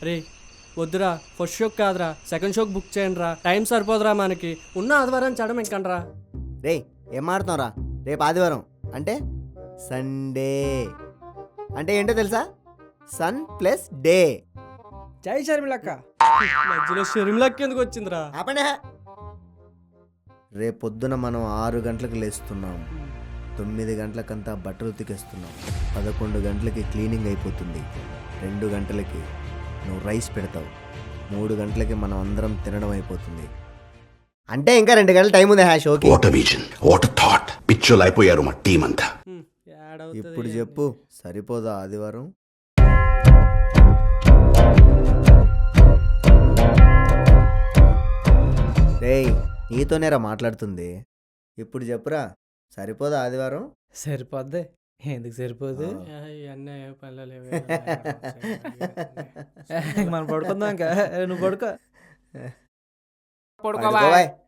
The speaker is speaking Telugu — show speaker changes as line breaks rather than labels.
రే వద్దురా, ఫస్ట్ షోకి కాదురా, సెకండ్ షోకి బుక్ చేయండి రా. టైం సరిపోదురా మనకి. ఉన్న ఆదివారం చడం ఇంకండ్రా.
రే ఏం ఆడుతున్నావురా? రేపు ఆదివారం అంటే సండే అంటే ఏంటో తెలుసా? Sun plus day.
జై షర్మిలక్క.
మధ్యలో షర్మిలకి ఎందుకు వచ్చిందిరా?
ఆపండి. రేపు పొద్దున మనం 6 గంటలకు లేస్తున్నాం, 9 గంటలకంతా బట్టలు ఉతికేస్తున్నాం, 11 గంటలకి క్లీనింగ్ అయిపోతుంది, 2 గంటలకి నువ్వు రైస్ పెడతావు, 3 గంటలకి మనం అందరం తినడం అయిపోతుంది. అంటే ఇంకా 2 గంటల టైం ఉంది షోకి.
What a vision, what a thought. పిచ్చోలు అయిపోయారు మా టీం అంతా.
ఇప్పుడు చెప్పు, సరిపోదా ఆదివారం? రేయ్ నీతోనేరా మాట్లాడుతుంది. ఇప్పుడు చెప్పురా, సరిపోదా ఆదివారం?
సరిపోద్ది. ఎందుకు సరిపోదు? మనం పడుకుందాం ఇంకా. నువ్వు పడుకో.
పడుకోవా.